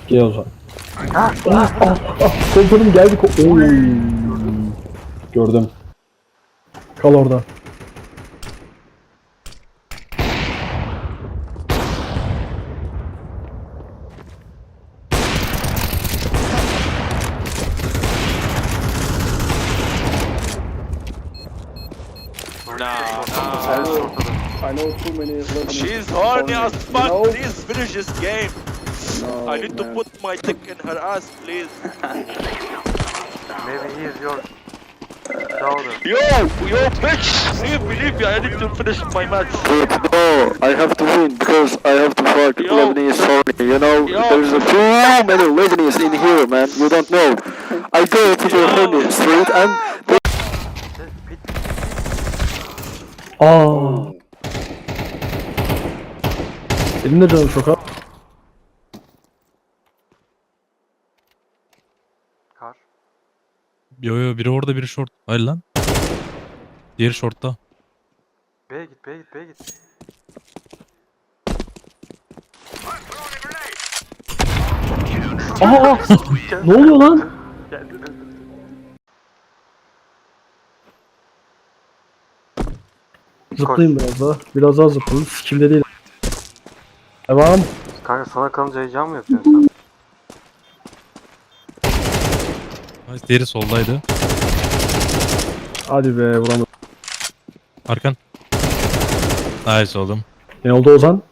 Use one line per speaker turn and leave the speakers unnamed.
Gel o zaman. Komutanım geldi. Oy. Gördüm. Kal orada. I know too many Lebanese.
She's horny as fuck.
No.
Please finish this game.
No,
I need to
man.
put my dick in her ass, please.
Maybe he is your daughter.
Yo, bitch! Believe me, I need to finish my match.
But no, I have to win because I have to fuck
Yo.
Lebanese horny. You know,
Yo.
there's a too many Lebanese in here, man. You don't know. I go to the horny street and
Aa. Benim de canım çok az.
Kar.
Yo biri orada biri short. Hayır lan. Diğeri shortta.
B'ye git, B'ye git, B'ye git.
Aa! Ne oluyor lan?
Geldi.
Zıplayayım biraz daha. Biraz daha zıplayayım. Sikimde değil. Devam.
Kanka sana kalınca heyecan mı yapıyorsun sen?
Hayır, diğeri soldaydı.
Hadi be vuramadım.
Arkan. Nice oğlum.
Ne oldu Ozan?